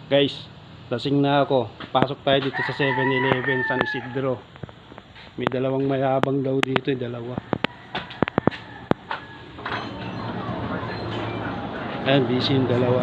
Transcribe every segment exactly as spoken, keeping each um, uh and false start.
Guys, lasing na ako. Pasok tayo dito sa seven eleven San Isidro. May dalawang mayabang daw dito, eh, dalawa. Ayan, busy yung dalawa.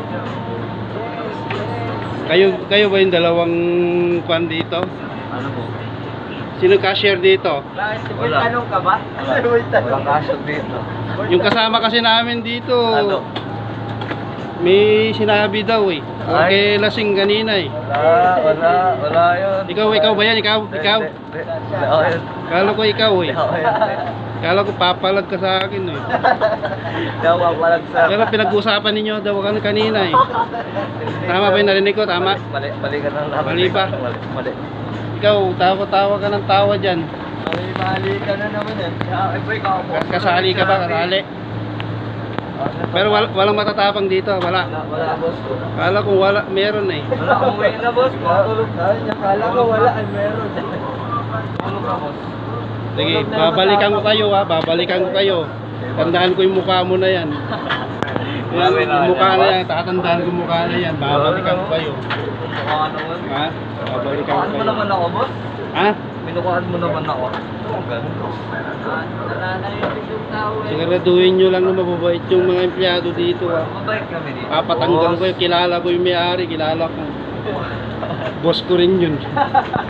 Kayo, kayo ba yung dalawang kwan dito? Ano po? Sino cashier dito? May tanong ka ba? Walang cashier dito. Yung kasama kasi namin dito. Ano? May sinabi daw eh. Okay, lasing kanina eh. Wala, wala, wala yun. Ikaw, ikaw ba yan? Ikaw, ikaw? Hindi, hindi. Hindi ako yun. Kala ko ikaw eh. Hindi ako yun. Kala ko papalag ka sa akin eh. Hindi ako papalag sa... Kala pinag-usapan ninyo daw kan kanina eh. Tama ba yung narinig ko? Tama? Mali, mali ka na. Mali ba? Mali, mali. Ikaw, tawa-tawa ka ng tawa dyan. Mali, mali ka na naman yan. Ay, boy, ka ako. Kasali ka ba? Kasali? Pero wal walang matatapang dito. Wala. Wala, wala, boss. Kala ko wala. Meron eh. Wala, umuwi na, boss. Matulog na. Kala ko wala, ay meron. Tulog na, boss. Sige, babalikan ko kayo ha. Babalikan ko kayo. Tandaan ko yung mukha mo na yan. Yan, yung mukha na yan. Tatandaan ko yung mukha na yan. Babalikan ko kayo. Mukhaan naman. Ha? Babalikan ko Minukaan mo kayo. naman ako, boss. Ha? Minukaan mo naman ako. Siguraduhin nyo lang na mababait yung mga empleyado dito ha. Mabait kami dito. Papatanggal ko yung kilala ko yung may-ari. Kilala ko. Boss ko rin yun.